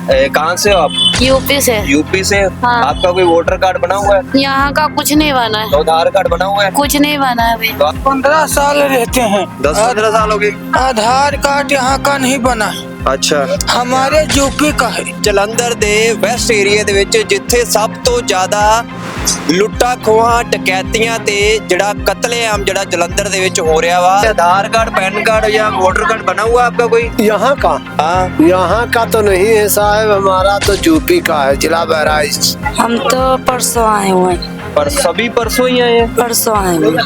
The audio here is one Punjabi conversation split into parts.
कहाँ से हो आप? यूपी से। यूपी से। हाँ। आपका कोई वोटर कार्ड बना हुआ है? यहाँ का कुछ नहीं बना है, तो आधार कार्ड बना हुआ है? कुछ नहीं बना है अभी। तो आप 15 साल रहते हैं। 10-15 साल हो गए। आधार कार्ड यहाँ का नहीं बना है, अच्छा। हमारे यूपी का है। ਜਲੰਧਰ ਦੇ ਵੈਸਟ ਏਰੀਆ ਦੇ ਵਿੱਚ ਜਿੱਥੇ ਸਭ ਤੋਂ ਜ਼ਿਆਦਾ ਲੁੱਟਾਂ ਖੋਹਾਂ ਡਕੈਤੀਆਂ ਤੇ ਜਿਹੜਾ ਕਤਲੇਆਮ ਜਿਹੜਾ ਜਲੰਧਰ ਦੇ ਵਿੱਚ ਹੋ ਰਿਹਾ ਵਾ। आधार कार्ड पैन कार्ड या वोटर कार्ड बना हुआ है आपका कोई? यहाँ का हाँ। यहाँ का तो नहीं है साहब, हमारा तो यूपी का है, जिला बहराइच। हम तो परसों आए हुए हैं, पर सभी परसों ही आए हैं। परसों आए हुए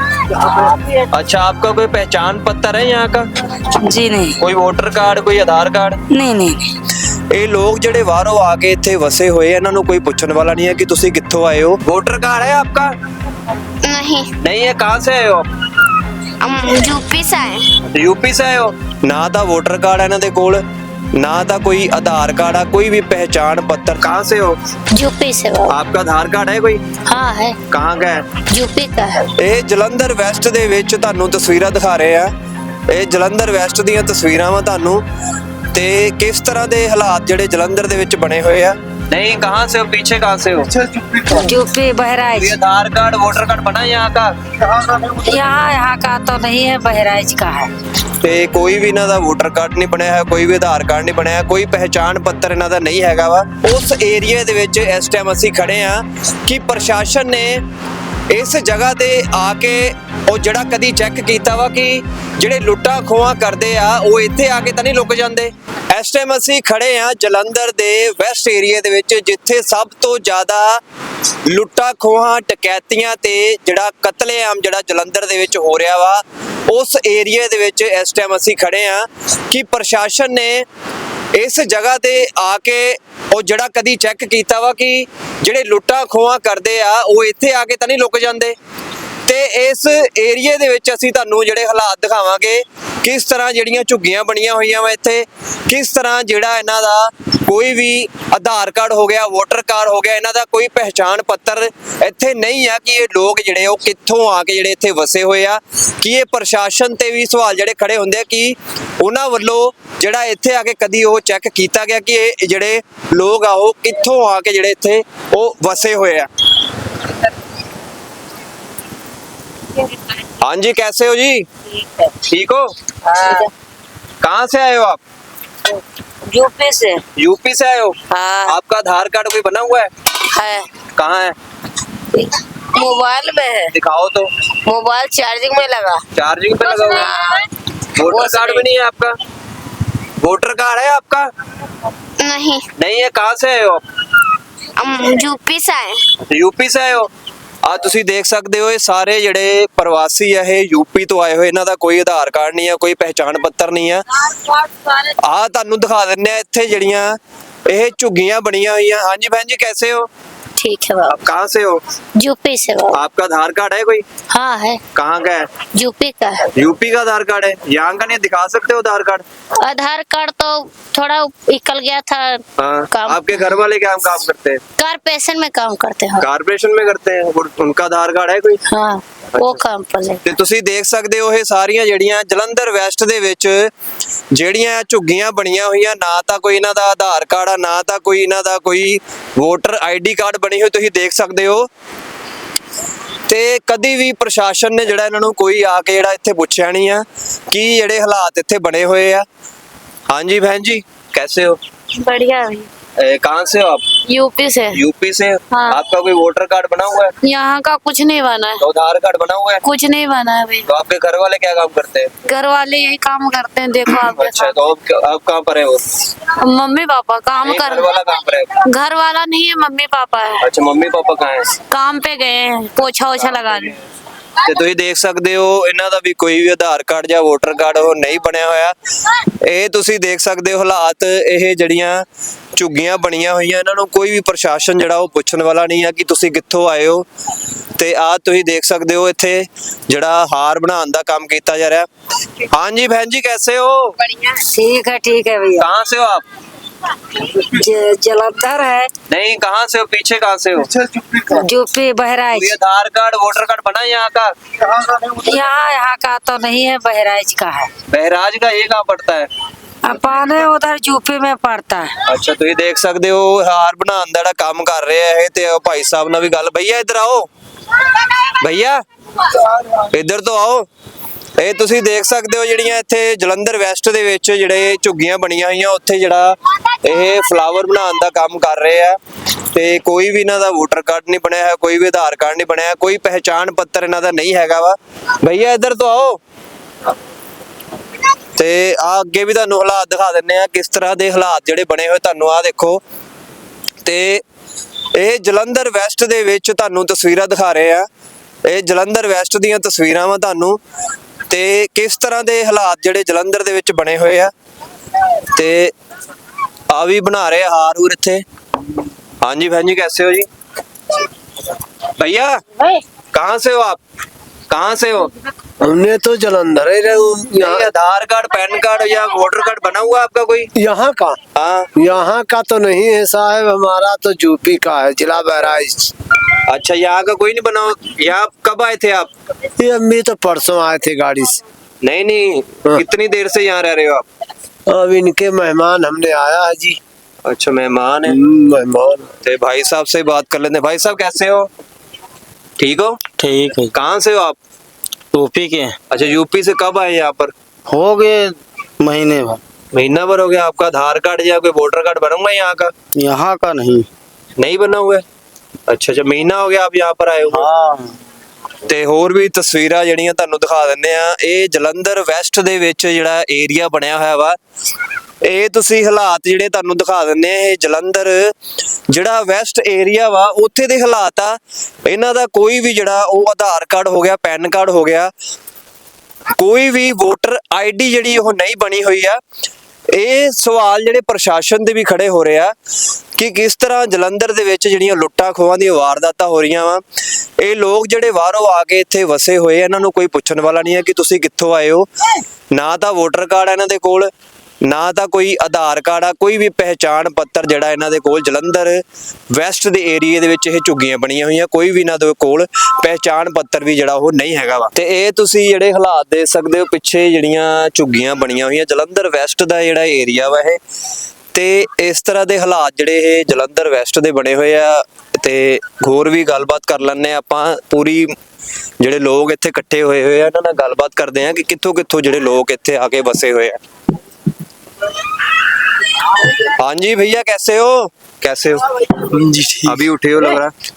हैं। अच्छा, आपका कोई पहचान पत्र है यहाँ का? जी नहीं, कोई वोटर कार्ड, कोई आधार कार्ड? नहीं नहीं नहीं। ਇਹ ਲੋਕ ਜਿਹੜੇ ਬਾਹਰੋਂ ਆ ਕੇ ਇੱਥੇ ਵਸੇ ਹੋਏ ਇਹਨਾਂ ਨੂੰ ਕੋਈ ਪੁੱਛਣ ਵਾਲਾ ਨਹੀਂ ਹੈ ਕਿ ਤੁਸੀਂ ਕਿੱਥੋਂ ਆਏ ਹੋ। वोटर कार्ड है आपका? नहीं, नहीं है। कहाँ से आए हो आप? हम यूपी से आए। यूपी से आए हो। ਨਾ ਤਾਂ ਵੋਟਰ ਕਾਰਡ ਇਹਨਾਂ ਦੇ ਕੋਲ, ਨਾ ਤਾਂ ਕੋਈ ਆਧਾਰ ਕਾਰਡ ਆ, ਕੋਈ ਵੀ ਪਹਿचान पत्र। कहाँ से हो? यूपी से बाबा। आपका आधार कार्ड है कोई? हाँ है, कहाँ का है? यूपी का है। ਇਹ ਜਲੰਧਰ ਵੈਸਟ ਦੇ ਵਿੱਚ ਤੁਹਾਨੂੰ ਤਸਵੀਰਾਂ ਦਿਖਾ ਰਹੇ ਆ। ਇਹ ਜਲੰਧਰ ਵੈਸਟ ਦੀਆਂ ਤਸਵੀਰਾਂ ਵਾ ਤੁਹਾਨੂੰ, ਤੇ ਕਿਸ ਤਰ੍ਹਾਂ ਦੇ ਹਾਲਾਤ ਜਿਹੜੇ ਜਲੰਧਰ ਦੇ ਵਿੱਚ ਬਣੇ ਹੋਏ ਆ। नहीं, कहाँ से हो? पीछे कहाँ से हो? यूपी बहराइच। कोई आधार कार्ड वोटर कार्ड बना है यहाँ का? यहाँ का तो नहीं है, बहराइच का है। ਤੇ ਕੋਈ ਵੀ ਇਹਨਾਂ ਦਾ ਵੋਟਰ ਕਾਰਡ ਨਹੀਂ ਬਣਿਆ ਹੈ, ਕੋਈ ਵੀ ਆਧਾਰ ਕਾਰਡ ਨਹੀਂ ਬਣਿਆ, ਕੋਈ ਪਹਿਚਾਣ ਪੱਤਰ ਇਹਨਾਂ ਦਾ ਨਹੀਂ ਹੈਗਾ ਵਾ। ਉਸ ਏਰੀਆ ਦੇ ਵਿੱਚ ਇਸ ਟਾਈਮ ਅਸੀਂ ਖੜੇ ਆ ਕਿ ਪ੍ਰਸ਼ਾਸਨ ਨੇ ਇਸ ਜਗ੍ਹਾ ਤੇ ਆ ਕੇ ਉਹ ਜਿਹੜਾ ਕਦੀ ਚੈੱਕ ਕੀਤਾ ਵਾ ਕਿ ਜਿਹੜੇ ਲੁੱਟਾਂ ਖੋਹਾਂ ਕਰਦੇ ਆ ਉਹ ਇੱਥੇ ਆ ਕੇ ਤਾਂ ਨਹੀਂ ਲੁਕ ਜਾਂਦੇ। ਇਸ ਟਾਈਮ ਅਸੀਂ ਖੜੇ ਆ ਜਲੰਧਰ ਦੇ ਵੈਸਟ ਏਰੀਆ ਦੇ ਵਿੱਚ ਜਿੱਥੇ ਸਭ ਤੋਂ ਜ਼ਿਆਦਾ ਲੁੱਟਾਂ ਖੋਹਾਂ ਡਕੈਤੀਆਂ ਤੇ ਜਿਹੜਾ ਕਤਲੇਆਮ ਜਿਹੜਾ ਜਲੰਧਰ ਦੇ ਵਿੱਚ ਹੋ ਰਿਹਾ ਵਾ। ਉਸ ਏਰੀਆ ਦੇ ਵਿੱਚ ਇਸ ਟਾਈਮ ਅਸੀਂ ਖੜੇ ਆ ਕਿ ਪ੍ਰਸ਼ਾਸਨ ਨੇ ਇਸ ਜਗ੍ਹਾ ਤੇ ਆ ਕੇ ਉਹ ਜਿਹੜਾ ਕਦੀ ਚੈੱਕ ਕੀਤਾ ਵਾ ਕਿ ਜਿਹੜੇ ਲੁੱਟਾਂ ਖੋਹਾਂ ਕਰਦੇ ਆ ਉਹ ਇੱਥੇ ਆ ਕੇ ਤਾਂ ਨਹੀਂ ਲੁਕ ਜਾਂਦੇ। ਤੇ ਇਸ ਏਰੀਆ ਦੇ ਵਿੱਚ ਅਸੀਂ ਤੁਹਾਨੂੰ ਜਿਹੜੇ ਹਾਲਾਤ ਦਿਖਾਵਾਂਗੇ, ਕਿਸ ਤਰ੍ਹਾਂ ਜਿਹੜੀਆਂ ਝੁੱਗੀਆਂ ਬਣੀਆਂ ਹੋਈਆਂ ਵਾ ਇੱਥੇ, ਕਿਸ ਤਰ੍ਹਾਂ ਜਿਹੜਾ ਇਹਨਾਂ ਦਾ ਕੋਈ ਵੀ ਆਧਾਰ ਕਾਰਡ ਹੋ ਗਿਆ, ਵੋਟਰ ਕਾਰਡ ਹੋ ਗਿਆ, ਇਹਨਾਂ ਦਾ ਕੋਈ ਪਹਿਚਾਣ ਪੱਤਰ ਇੱਥੇ ਨਹੀਂ ਆ ਕਿ ਇਹ ਲੋਕ ਜਿਹੜੇ ਉਹ ਕਿੱਥੋਂ ਆ ਕੇ ਜਿਹੜੇ ਇੱਥੇ ਵਸੇ ਹੋਏ ਆ। ਕਿ ਇਹ ਪ੍ਰਸ਼ਾਸਨ ਤੇ ਵੀ ਸਵਾਲ ਜਿਹੜੇ ਖੜੇ ਹੁੰਦੇ ਆ ਕਿ ਉਹਨਾਂ ਵੱਲੋਂ ਜਿਹੜਾ ਇੱਥੇ ਆ ਕੇ ਕਦੀ ਉਹ ਚੈੱਕ ਕੀਤਾ ਗਿਆ ਕਿ ਇਹ ਜਿਹੜੇ ਲੋਕ ਆ ਉਹ ਕਿੱਥੋਂ ਆ ਕੇ ਜਿਹੜੇ ਇੱਥੇ ਉਹ ਵਸੇ ਹੋਏ ਆ। हाँ जी, कैसे हो जी? ठीक हो? हाँ। कहाँ से आए हो आप? यूपी से। यूपी से आए हो? हाँ। आपका आधार कार्ड कोई बना हुआ है? है, कहाँ है? मोबाइल में है। दिखाओ तो। मोबाइल चार्जिंग में लगा। चार्जिंग पे लगा हुआ है। वोटर कार्ड भी नहीं है आपका? वोटर कार्ड है आपका? नहीं, नहीं है। कहाँ से आए हो आप? हम यूपी से आए। यूपी से आए हो। ਆ ਤੁਸੀਂ ਦੇਖ ਸਕਦੇ ਹੋ ਇਹ ਸਾਰੇ ਜਿਹੜੇ ਪ੍ਰਵਾਸੀ ਆ ਇਹ ਯੂਪੀ ਤੋਂ ਆਏ ਹੋਏ, ਇਹਨਾਂ ਦਾ ਕੋਈ ਆਧਾਰ ਕਾਰਡ ਨਹੀਂ ਆ, ਕੋਈ ਪਹਿਚਾਣ ਪੱਤਰ ਨਹੀਂ ਆ। ਆ ਤੁਹਾਨੂੰ ਦਿਖਾ ਦਿੰਨੇ ਆ ਇੱਥੇ ਜਿਹੜੀਆਂ ਇਹ ਝੁੱਗੀਆਂ ਬਣੀਆਂ ਹੋਈਆਂ। ਹਾਂਜੀ बहन जी, कैसे हो? ठीक है बाबा। आप कहाँ से हो? यूपी से बाबा। आपका आधार कार्ड है कोई? हाँ है, कहाँ का है? यूपी का है। यूपी का आधार कार्ड है? यहाँ का नहीं दिखा सकते हो आधार कार्ड? आधार कार्ड तो थोड़ा निकल गया था। हाँ। काम। आपके घर वाले क्या काम करते हैं? कारपोरेशन में काम करते हैं। कारपोरेशन में करते हैं। उनका आधार कार्ड है कोई? हाँ, वो काम पर ले। ਤੇ ਤੁਸੀਂ ਦੇਖ ਸਕਦੇ ਹੋ ਇਹ ਸਾਰੀਆਂ ਜਿਹੜੀਆਂ ਜਲੰਧਰ ਵੈਸਟ ਦੇ ਵਿੱਚ ਜਿਹੜੀਆਂ ਝੁੱਗੀਆਂ ਬਣੀਆਂ ਹੋਈਆਂ, ਨਾ ਤਾਂ ਕੋਈ ਇਹਨਾਂ ਦਾ ਆਧਾਰ ਕਾਰਡ ਆ, ਨਾ ਤਾਂ ਕੋਈ ਇਹਨਾਂ ਦਾ ਕੋਈ ਵੋਟਰ ਆਈਡੀ ਕਾਰਡ ਬਣੀ ਹੋਈ ਤੁਸੀਂ ਦੇਖ ਸਕਦੇ ਹੋ। ਤੇ ਕਦੀ ਵੀ ਪ੍ਰਸ਼ਾਸਨ ਨੇ ਜਿਹੜਾ ਇਹਨਾਂ ਨੂੰ ਕੋਈ ਆ ਕੇ ਜਿਹੜਾ ਇੱਥੇ ਪੁੱਛਿਆ ਨਹੀਂ ਆ ਕਿ ਜਿਹੜੇ ਹਾਲਾਤ ਇੱਥੇ ਬਣੇ ਹੋਏ ਆ। ਹਾਂਜੀ बहन जी, कैसे हो? बढ़िया है। कहाँ से हो आप? यूपी से। यूपी से। हाँ। आपका कोई वोटर कार्ड बना हुआ है? यहाँ का कुछ नहीं बना है, तो आधार कार्ड बना हुआ है? कुछ नहीं बना है अभी। तो आपके घर वाले क्या काम करते हैं? घर वाले यही काम करते हैं, देखो आपके अच्छा, तो आप कहाँ पर है वो? साथ। मम्मी पापा काम नहीं, कर। घर वाला काम पर है? घर वाला नहीं है, मम्मी पापा है। अच्छा, मम्मी पापा कहाँ है? काम पे गए हैं, पोछा ओछा लगाने। ਤੇ ਤੁਸੀਂ ਦੇਖ ਸਕਦੇ ਹੋ ਇਹਨਾਂ ਦਾ ਵੀ ਕੋਈ ਵੀ ਆਧਾਰ ਕਾਰਡ ਜਾਂ ਵੋਟਰ ਕਾਰਡ ਉਹ ਨਹੀਂ ਬਣਿਆ ਹੋਇਆ। ਇਹ ਤੁਸੀਂ ਦੇਖ ਸਕਦੇ ਹੋ ਹਾਲਾਤ, ਇਹ ਜਿਹੜੀਆਂ ਝੁੱਗੀਆਂ ਬਣੀਆਂ ਹੋਈਆਂ ਇਹਨਾਂ ਨੂੰ ਕੋਈ ਵੀ ਪ੍ਰਸ਼ਾਸਨ ਜਿਹੜਾ ਉਹ ਪੁੱਛਣ ਵਾਲਾ ਨਹੀਂ ਆ ਕਿ ਤੁਸੀਂ ਕਿੱਥੋਂ ਆਏ ਹੋ। ਤੇ ਆ ਤੁਸੀਂ ਦੇਖ ਸਕਦੇ ਹੋ ਇੱਥੇ ਜਿਹੜਾ ਹਾਰ ਬਣਾਉਣ ਦਾ ਕੰਮ ਕੀਤਾ ਜਾ ਰਿਹਾ। ਹਾਂਜੀ बहन जी, कैसे हो? बढ़िया। ठीक है भैया। कहाँ से हो आप? जलंधर है। नहीं, कहाँ से हो? पीछे कहाँ से हो? यूपी बहराइच। कोई आधार कार्ड वोटर कार्ड बना है यहाँ का? यहाँ का तो नहीं है, बहराइच का है। बहराज का ये कहाँ पड़ता है? अपाने उधर यूपी में पड़ता है। ਅੱਛਾ ਤੁਸੀਂ ਦੇਖ ਸਕਦੇ ਹੋ ਹਾਰ ਬਣਾਉਣ ਦਾ ਜਿਹੜਾ ਕੰਮ ਕਰ ਰਹੇ ਆ ਇਹ ਤੇ ਉਹ ਭਾਈ ਸਾਹਿਬ ਨਾਲ ਵੀ ਗੱਲ ਭਈਆ ਇੱਧਰ ਆਓ ਭਈਆ ਇੱਧਰ ਤੋਂ ਆਓ ਇਹ ਤੁਸੀਂ ਦੇਖ ਸਕਦੇ ਹੋ ਜਿਹੜੀਆਂ ਇੱਥੇ ਜਲੰਧਰ ਵੈਸਟ ਦੇ ਵਿੱਚ ਜਿਹੜੇ ਝੁੱਗੀਆਂ ਬਣੀਆਂ ਹੋਈਆਂ ਉੱਥੇ ਜਿਹੜਾ ਇਹ ਫਲਾਵਰ ਬਣਾਉਣ ਦਾ ਕੰਮ ਕਰ ਰਹੇ ਆ ਤੇ ਕੋਈ ਵੀ ਇਹਨਾਂ ਦਾ ਵੋਟਰ ਕਾਰਡ ਨਹੀਂ ਬਣਿਆ ਹੈ ਕੋਈ ਵੀ ਆਧਾਰ ਕਾਰਡ ਨਹੀਂ ਬਣਿਆ ਕੋਈ ਪਹਿਚਾਣ ਪੱਤਰ ਇਹਨਾਂ ਦਾ ਨਹੀਂ ਹੈਗਾ ਵਾ ਭਈਆ ਇੱਧਰ ਤੋਂ ਆਓ ਤੇ ਆ ਅੱਗੇ ਵੀ ਤੁਹਾਨੂੰ ਹਾਲਾਤ ਦਿਖਾ ਦਿੰਨੇ ਆ ਕਿਸ ਤਰ੍ਹਾਂ ਦੇ ਹਾਲਾਤ ਜਿਹੜੇ ਬਣੇ ਹੋਏ ਤੁਹਾਨੂੰ ਆ ਦੇਖੋ ਤੇ ਇਹ ਜਲੰਧਰ ਵੈਸਟ ਦੇ ਵਿੱਚ ਤੁਹਾਨੂੰ ਤਸਵੀਰਾਂ ਦਿਖਾ ਰਹੇ ਆ ਇਹ ਜਲੰਧਰ ਵੈਸਟ ਦੀਆਂ ਤਸਵੀਰਾਂ ਵਾ ਤੁਹਾਨੂੰ ਤੇ ਕਿਸ ਤਰ੍ਹਾਂ ਦੇ ਹਾਲਾਤ ਜਿਹੜੇ ਜਲੰਧਰ ਦੇ ਵਿੱਚ ਬਣੇ ਹੋਏ ਆ ਤੇ ਆ ਵੀ ਬਣਾ ਰਹੇ ਹਾਰ ਹੂਰ ਇੱਥੇ ਹਾਂਜੀ बहन जी कैसे हो जी भैया कहाँ से हो आप कहाँ से हो हमने तो जलंधर ही ये आधार कार्ड पैन कार्ड या वोटर कार्ड बना हुआ है आपका कोई यहाँ का हाँ यहाँ का तो नहीं है साहब हमारा तो यूपी का है जिला बहराइच। अच्छा यहाँ का कोई नहीं बना हुआ यहाँ कब आए थे आप ये अम्मी तो परसों आए थे गाड़ी से। नहीं नहीं कितनी देर से यहाँ रह रहे हो आप अब इनके मेहमान हमने आया है जी। अच्छा मेहमान है मेहमान तो भाई साहब से बात कर लेते हैं भाई साहब कैसे हो ठीक हो ठीक है। कहाँ से हो आप यूपी के हैं। अच्छा यूपी से कब आए यहाँ पर हो गए महीने भर। महीना भर हो गया आपका आधार कार्ड या कोई वोटर कार्ड बना हुआ है यहाँ का यहाँ का नहीं। नहीं बना हुआ है अच्छा अच्छा महीना हो गया आप यहाँ पर आए हो हाँ ਤੇ ਹੋਰ ਵੀ ਤਸਵੀਰਾਂ ਜਿਹੜੀਆਂ ਤੁਹਾਨੂੰ ਦਿਖਾ ਦਿੰਦੇ ਆ ਇਹ ਜਲੰਧਰ ਵੈਸਟ ਦੇ ਵਿੱਚ ਜਿਹੜਾ ਏਰੀਆ ਬਣਿਆ ਹੋਇਆ ਵਾ ਇਹ ਤੁਸੀਂ ਹਾਲਾਤ ਜਿਹੜੇ ਤੁਹਾਨੂੰ ਦਿਖਾ ਦਿੰਦੇ ਆ ਇਹ ਜਲੰਧਰ ਜਿਹੜਾ ਵੈਸਟ ਏਰੀਆ ਵਾ ਉੱਥੇ ਦੇ ਹਾਲਾਤ ਆ ਇਹਨਾਂ ਦਾ ਕੋਈ ਵੀ ਜਿਹੜਾ ਉਹ ਆਧਾਰ ਕਾਰਡ ਹੋ ਗਿਆ ਪੈਨ ਕਾਰਡ ਹੋ ਗਿਆ ਕੋਈ ਵੀ ਵੋਟਰ ਆਈਡੀ ਜਿਹੜੀ ਉਹ ਨਹੀਂ ਬਣੀ ਹੋਈ ਆ ਇਹ ਸਵਾਲ ਜਿਹੜੇ ਪ੍ਰਸ਼ਾਸਨ ਦੇ ਵੀ ਖੜੇ ਹੋ ਰਹੇ ਆ ਕਿ ਕਿਸ ਤਰ੍ਹਾਂ ਜਲੰਧਰ ਦੇ ਵਿੱਚ ਜਿਹੜੀਆਂ ਲੁੱਟਾਂ ਖੋਹਾਂ ਦੀਆਂ ਵਾਰਦਾਤਾਂ ਹੋ ਰਹੀਆਂ ਵਾ ਇਹ ਲੋਕ ਜਿਹੜੇ ਬਾਹਰੋਂ ਆ ਕੇ ਇੱਥੇ ਵਸੇ ਹੋਏ ਇਹਨਾਂ ਨੂੰ ਕੋਈ ਪੁੱਛਣ ਵਾਲਾ ਨਹੀਂ ਹੈ ਕਿ ਤੁਸੀਂ ਕਿੱਥੋਂ ਆਏ ਹੋ ਨਾ ਤਾਂ ਵੋਟਰ ਕਾਰਡ ਇਹਨਾਂ ਦੇ ਕੋਲ ਨਾ ਤਾਂ ਕੋਈ ਆਧਾਰ ਕਾਰਡ ਆ ਕੋਈ ਵੀ ਪਹਿਚਾਣ ਪੱਤਰ ਜਿਹੜਾ ਇਹਨਾਂ ਦੇ ਕੋਲ ਜਲੰਧਰ ਵੈਸਟ ਦੇ ਏਰੀਏ ਦੇ ਵਿੱਚ ਇਹ ਝੁੱਗੀਆਂ ਬਣੀਆਂ ਹੋਈਆਂ ਕੋਈ ਵੀ ਇਹਨਾਂ ਦੇ ਕੋਲ ਪਹਿਚਾਣ ਪੱਤਰ ਵੀ ਜਿਹੜਾ ਉਹ ਨਹੀਂ ਹੈਗਾ ਵਾ ਤੇ ਇਹ ਤੁਸੀਂ ਜਿਹੜੇ ਹਾਲਾਤ ਦੇਖ ਸਕਦੇ ਹੋ ਪਿੱਛੇ ਜਿਹੜੀਆਂ ਝੁੱਗੀਆਂ ਬਣੀਆਂ ਹੋਈਆਂ ਜਲੰਧਰ ਵੈਸਟ ਦਾ ਜਿਹੜਾ ਏਰੀਆ ਵਾ ਇਹ ਤੇ ਇਸ ਤਰ੍ਹਾਂ ਦੇ ਹਾਲਾਤ ਜਿਹੜੇ ਇਹ ਜਲੰਧਰ ਵੈਸਟ ਦੇ ਬਣੇ ਹੋਏ ਆ ਤੇ ਹੋਰ ਵੀ ਗੱਲਬਾਤ ਕਰ ਲੈਣੇ ਆਪਾਂ ਪੂਰੀ ਜਿਹੜੇ ਲੋਕ ਇੱਥੇ ਇਕੱਠੇ ਹੋਏ ਆ ਇਹਨਾਂ ਨਾਲ ਗੱਲਬਾਤ ਕਰਦੇ ਆ ਕਿ ਕਿੱਥੋਂ ਕਿੱਥੋਂ ਜਿਹੜੇ ਲੋਕ ਇੱਥੇ ਆ ਕੇ ਵਸੇ ਹੋਏ ਆ हाँ जी भैया कैसे हो जी ठीक। अभी उठे हो लग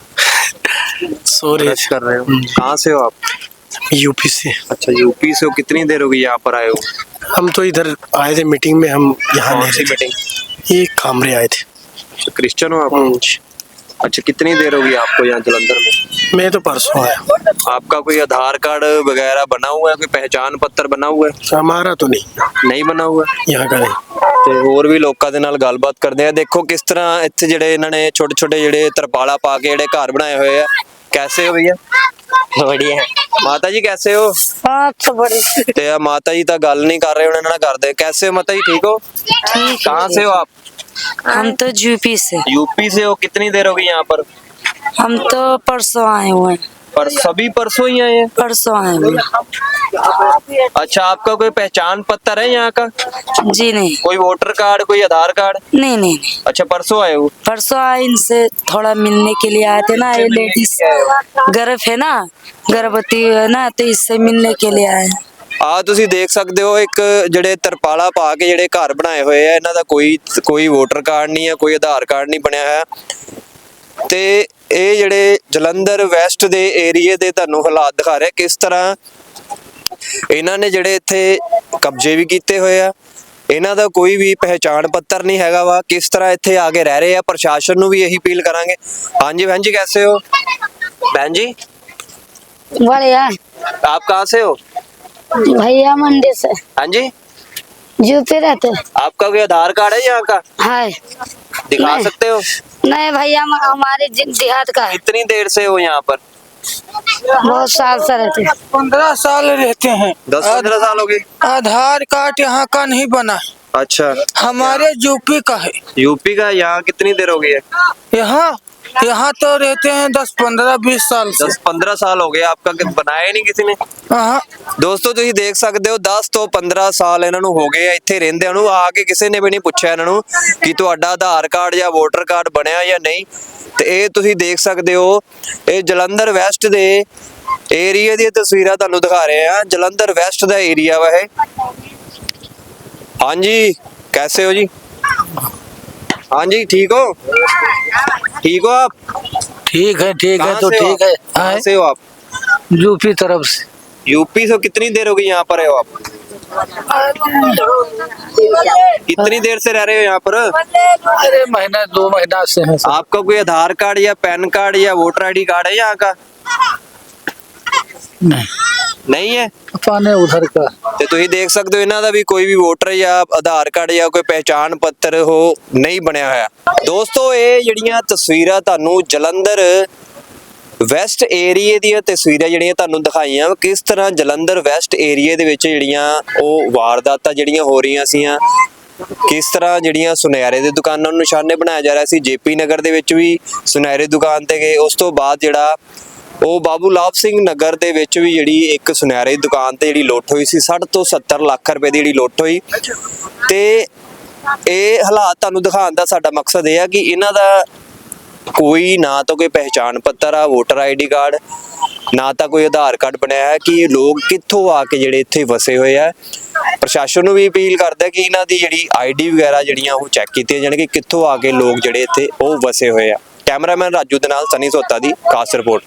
रहा सो रहे ब्रश कर रहे हो कहाँ से हो आप यूपी से। अच्छा यूपी से हो कितनी देर हो गई यहाँ पर आए हो हम तो इधर आए थे मीटिंग में हम यहाँ कौन नहीं सी रहते। मीटिंग ये कामरे आए थे। अच्छा, क्रिश्चियन हो आप अच्छा कितनी देर हो गई आपको यहाँ जलंधर में मैं तो परसों आया। आपका कोई आधार कार्ड वगैरह बना हुआ है कोई पहचान पत्र बना हुआ है हमारा तो नहीं बना हुआ यहाँ का नहीं। ਤੇ ਹੋਰ ਵੀ ਲੋਕਾਂ ਦੇ ਨਾਲ ਗੱਲਬਾਤ ਕਰਦੇ ਆ ਦੇਖੋ ਕਿਸ ਤਰ੍ਹਾਂ ਇੱਥੇ ਜਿਹੜੇ ਇਹਨਾਂ ਨੇ ਛੋਟੇ ਛੋਟੇ ਜਿਹੜੇ ਤਰਪਾਲਾ ਪਾ ਕੇ ਜਿਹੜੇ ਘਰ ਬਣਾਏ ਹੋਏ ਆ कैसे हो भैया बढ़िया है। माता जी कैसे हो तो बड़ी ਤੇ ਆ ਮਾਤਾ ਜੀ ਤਾਂ ਗੱਲ ਨਹੀਂ ਕਰ ਰਹੇ ਉਹਨਾਂ ਨਾਲ ਕਰਦੇ कैसे हो माता जी ठीक हो ठीक कहाँ से हो आप हम तो यूपी से यूपी से हो कितनी देर हो गई यहाँ पर हम तो परसों आए हुए हैं पर सभी परसों ही आए हैं परसों आए हुए हैं। अच्छा आपका कोई पहचान पत्र है यहाँ का जी नहीं कोई वोटर कार्ड कोई आधार कार्ड नहीं नहीं नहीं अच्छा परसों आए हो परसों आए इनसे थोड़ा मिलने के लिए आए थे ना ये लेडीज गर्भ है ना गर्भवती है ना तो इससे मिलने के लिए आए हैं। ਆ ਤੁਸੀਂ ਦੇਖ ਸਕਦੇ ਹੋ ਇੱਕ ਜਿਹੜੇ ਤਰਪਾਲਾ ਪਾ ਕੇ ਜਿਹੜੇ ਘਰ ਬਣਾਏ ਹੋਏ ਆ ਇਹਨਾਂ ਦਾ ਕੋਈ ਵੋਟਰ ਕਾਰਡ ਨਹੀਂ ਹੈ ਕੋਈ ਆਧਾਰ ਕਾਰਡ ਨਹੀਂ ਬਣਿਆ ਹੋਇਆ ਤੇ ਇਹ ਜਿਹੜੇ ਜਲੰਧਰ ਵੈਸਟ ਦੇ ਏਰੀਏ ਦੇ ਤੁਹਾਨੂੰ ਹਾਲਾਤ ਦਿਖਾ ਰਿਹਾ ਕਿਸ ਤਰ੍ਹਾਂ ਇਹਨਾਂ ਨੇ ਜਿਹੜੇ ਇੱਥੇ ਕਬਜ਼ੇ ਵੀ ਕੀਤੇ ਹੋਏ ਆ ਇਹਨਾਂ ਦਾ ਕੋਈ ਵੀ ਪਹਿਚਾਣ ਪੱਤਰ ਨਹੀਂ ਹੈਗਾ ਵਾ ਕਿਸ ਤਰ੍ਹਾਂ ਇੱਥੇ ਆ ਕੇ ਰਹਿ ਰਹੇ ਆ ਪ੍ਰਸ਼ਾਸਨ ਨੂੰ ਵੀ ਇਹੀ ਅਪੀਲ ਕਰਾਂਗੇ ਹਾਂਜੀ बहन जी कैसे हो बहन जी बढ़िया आप कहाँ से हो भैया मंडी से हाँ जी यूपी रहते आपका कोई आधार कार्ड है यहाँ का है दिखा नहीं। सकते हो नहीं भैया हमारे देहात का है कितनी देर से हो यहाँ पर बहुत साल से रहते 15 साल रहते हैं 10-15 साल हो गए आधार कार्ड यहाँ का नहीं बना अच्छा हमारे यूपी का है। यूपी का यहाँ कितनी देर हो गई है यहाँ यहाँ तो रहते हैं 10-15-20 साल से। 10-15 ਸਾਲ ਹੋ ਗਏ आपका कि बनाया ही नहीं किसी ने। हाँ, ਦੋਸਤੋ ਤੁਸੀਂ ਦੇਖ ਸਕਦੇ ਹੋ 10 ਤੋਂ 15 ਸਾਲ ਇਹਨਾਂ ਨੂੰ ਹੋ ਗਏ ਆ ਇੱਥੇ ਰਹਿੰਦਿਆਂ ਨੂੰ, ਆ ਕੇ ਕਿਸੇ ਨੇ ਵੀ ਨਹੀਂ ਪੁੱਛਿਆ ਇਹਨਾਂ ਨੂੰ ਕਿ ਤੁਹਾਡਾ ਆਧਾਰ ਕਾਰਡ ਜਾਂ ਵੋਟਰ ਕਾਰਡ ਬਣਿਆ ਜਾਂ ਨਹੀਂ। ਤੇ ਇਹ ਤੁਸੀਂ ਦੇਖ ਸਕਦੇ ਹੋ, ਇਹ ਜਲੰਧਰ ਵੈਸਟ ਦੇ ਏਰੀਆ ਦੀਆਂ ਤਸਵੀਰਾਂ ਤੁਹਾਨੂੰ ਦਿਖਾ ਰਹੇ ਆ। ਜਲੰਧਰ ਵੈਸਟ ਦਾ ਏਰੀਆ ਵਾ ਇਹ। ਹਾਂਜੀ, कैसे हो जी? हाँ जी, ठीक हो? ठीक हो आप? ठीक है कहाँ तो से हो ठीक आप? है। कहाँ से हो आप? यूपी तरफ से। यूपी से कितनी देर हो गई यहाँ पर है हो आप? कितनी देर से रह रहे हो यहाँ पर? अरे महीना 2 महीना से है। आपका कोई आधार कार्ड या पैन कार्ड या वोटर आईडी कार्ड है यहाँ का? नहीं है। पाने उधर का। ਤੇ ਤੁਸੀਂ ਦੇਖ ਸਕਦੇ ਹੋ ਇਹਨਾਂ ਦਾ ਵੀ ਕੋਈ ਵੀ ਵੋਟਰ ਜਾਂ ਆਧਾਰ ਕਾਰਡ ਜਾਂ ਕੋਈ ਪਹਿਚਾਣ ਪੱਤਰ ਉਹ ਨਹੀਂ ਬਣਿਆ ਹੋਇਆ। ਦੋਸਤੋ ਇਹ ਜਿਹੜੀਆਂ ਤਸਵੀਰਾਂ ਤੁਹਾਨੂੰ ਜਲੰਧਰ ਵੈਸਟ ਏਰੀਏ ਦੀਆਂ ਤਸਵੀਰਾਂ ਜਿਹੜੀਆਂ ਤੁਹਾਨੂੰ ਦਿਖਾਈਆਂ, ਕਿਸ ਤਰ੍ਹਾਂ ਜਲੰਧਰ ਵੈਸਟ ਏਰੀਏ ਦੇ ਵਿੱਚ ਜਿਹੜੀਆਂ ਉਹ ਵਾਰਦਾਤਾਂ ਜਿਹੜੀਆਂ ਹੋ ਰਹੀਆਂ ਸੀਆਂ, ਕਿਸ ਤਰ੍ਹਾਂ ਜਿਹੜੀਆਂ ਸੁਨਿਆਰੇ ਦੇ ਦੁਕਾਨਾਂ ਨੂੰ ਨਿਸ਼ਾਨੇ ਬਣਾਇਆ ਜਾ ਰਿਹਾ ਸੀ। ਜੇਪੀ ਨਗਰ ਦੇ ਵਿੱਚ ਵੀ ਸੁਨਿਆਰੇ ਦੁਕਾਨ ਤੇ ਗਏ, ਉਸ ਤੋਂ ਬਾਅਦ ਜਿਹੜਾ ਉਹ ਬਾਬੂ ਲਾਭ ਸਿੰਘ ਨਗਰ ਦੇ ਵਿੱਚ ਵੀ ਜਿਹੜੀ ਇੱਕ ਸੁਨਿਆਰੇ ਦੀ ਦੁਕਾਨ ਤੇ ਜਿਹੜੀ ਲੁੱਟ ਹੋਈ ਸੀ, 60 ਤੋਂ 70 ਲੱਖ ਰੁਪਏ ਦੀ ਜਿਹੜੀ ਲੁੱਟ ਹੋਈ। ਤੇ ਇਹ ਹਾਲਾਤ ਤੁਹਾਨੂੰ ਦਿਖਾਉਣ ਦਾ ਸਾਡਾ ਮਕਸਦ ਇਹ ਆ ਕਿ ਇਹਨਾਂ ਦਾ ਕੋਈ ਨਾ ਤਾਂ ਕੋਈ ਪਹਿਚਾਣ ਪੱਤਰ ਆ, ਵੋਟਰ ਆਈਡੀ ਕਾਰਡ, ਨਾ ਤਾਂ ਕੋਈ ਆਧਾਰ ਕਾਰਡ ਬਣਿਆ ਹੈ, ਕਿ ਇਹ ਲੋਕ ਕਿੱਥੋਂ ਆ ਕੇ ਜਿਹੜੇ ਇੱਥੇ ਵਸੇ ਹੋਏ ਆ। ਪ੍ਰਸ਼ਾਸਨ ਨੂੰ ਵੀ ਅਪੀਲ ਕਰਦਾ ਕਿ ਇਹਨਾਂ ਦੀ ਜਿਹੜੀ ਆਈਡੀ ਵਗੈਰਾ ਜਿਹੜੀਆਂ ਉਹ ਚੈੱਕ ਕੀਤੀਆਂ ਜਾਣ ਕਿ ਕਿੱਥੋਂ ਆ ਕੇ ਲੋਕ ਜਿਹੜੇ ਇੱਥੇ ਉਹ ਵਸੇ ਹੋਏ ਆ। ਕੈਮਰਾਮੈਨ ਰਾਜੂ ਦੇ ਨਾਲ ਸਨੀ ਸੋਤਾ ਦੀ ਖਾਸ ਰਿਪੋਰਟ।